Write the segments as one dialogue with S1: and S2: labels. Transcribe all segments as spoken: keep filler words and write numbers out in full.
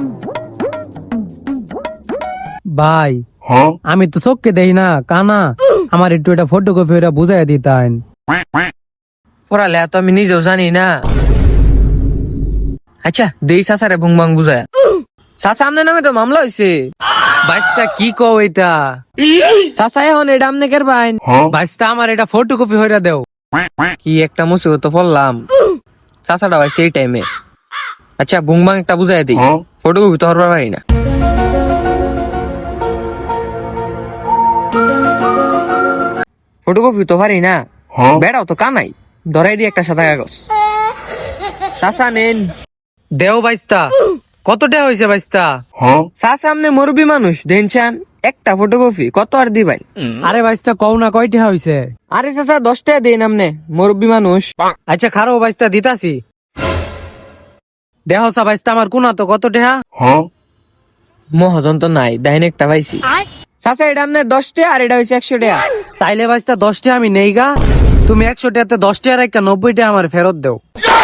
S1: ভাই আমি তো চোখকে দেই না কানা, আমার একটু এটা ফটোকপি ওটা বুঝাই দিতেন।
S2: পড়ালে তো আমি নিজেও জানি না। আচ্ছা দেই চাচারে ভুংবাং বুঝায়। চাচা আমনে নামে তো মামলা হয়েছে।
S1: বাইস্তা কি কও এটা?
S2: চাচা এখন এটা আমনে কের বাইন।
S1: বাইস্তা আমার এটা ফটোকপি হইরা দেও।
S2: কি একটা মুসিবত পড়লাম। চাচাটা ভাই সেই টাইমে। আচ্ছা ভুংবাং একটা বুঝাই দিই, ফটোকপি তো হরবার পারি না। ফটোকপি তো পারি না, বেড়াও তো কানাই, ধরাই দি একটা সাদা কাগজ। চাচা নেন।
S1: দেও বাইস্তা। কত টাকা হয়েছে বাইস্তা?
S2: চাচা আমনে মুরব্বী মানুষ দেন চান, একটা ফটোকপি কত আর দিবেন?
S1: আরে বাইস্তা কও না কয় টাকা হয়েছে?
S2: আরে চাচা দশ টাকা দেন আমনে, মুরব্বী মানুষ।
S1: আচ্ছা খারো বাইস্তা দিতাছি। দেহ সা বাইস্তা আমার কোনা তো কত টাকা?
S2: মহাজন তো নাই, দাইন একটা পাইছি। চাচা এটা আমনে দশ টাকা আর এটা হয়েছে একশো টাকা।
S1: তাইলে বাইস্তা দশ টাকা আমি নেই গা, তুমি একশো টাকাতে দশ টাকার একটা নব্বই টাকা আমার ফেরত দেও।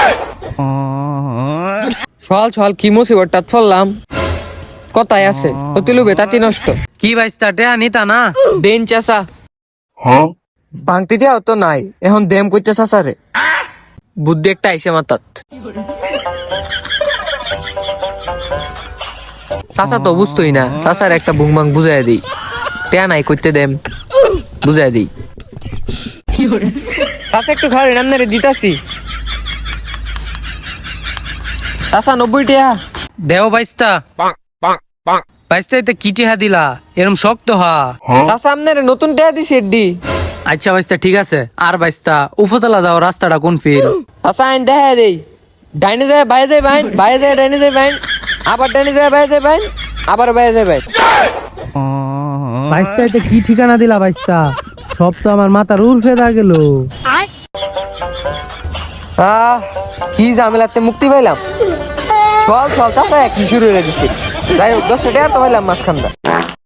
S2: সল সল কি মুসিবতটা ফললাম, কথাই আছে অতিলুবে তাতি নষ্ট।
S1: কি বাইস্তা টাকা নিতা না?
S2: দেন চাচা। ভাঙতে যাও তো নাই, এখন দেম করতে চাচা রে। বুদ্ধি একটা আইসে মাতাত। চাচা তো বুঝতোই না, চাচার একটা বুংবাং বুঝাই দিই। টেয়া নাই করতে দেম, বুঝাই দিই। চাচা একটু খাওয়ার নাম রে দিতাছি। চাচা নব্বই টিয়া।
S1: দেও বাইস্তা। বাইস্তা এতে কি টিহা দিলা? এরম শক্ত হা।
S2: চাচা আপনার নতুন টিয়া দিছি এডি।
S1: আচ্ছা বাইস্তা ঠিক আছে। আর বাইস্তা উপতলা যাও, রাস্তাটা কোন ফিল?
S2: চাচা আইন দেখা দেই। ডাইনে যায় বাইরে যায় বাইন, বাইরে যায় ডাইনে যায় বাইন, আবার ডাইনে যায় বাইরে যায় বাইন, আবার বাইরে যায় বাইন।
S1: বাইস্তা এতে কি ঠিকানা দিলা বাইস্তা? সব তো আমার মাথার উর্ফে দা গেল।
S2: আহ কি ঝামেলাতে মুক্তি পাইলাম। চল চল চাচা কি শুরু হয়ে গেছে। যাই হোক দশটা টাকা তো পাইলাম মাঝখানটা।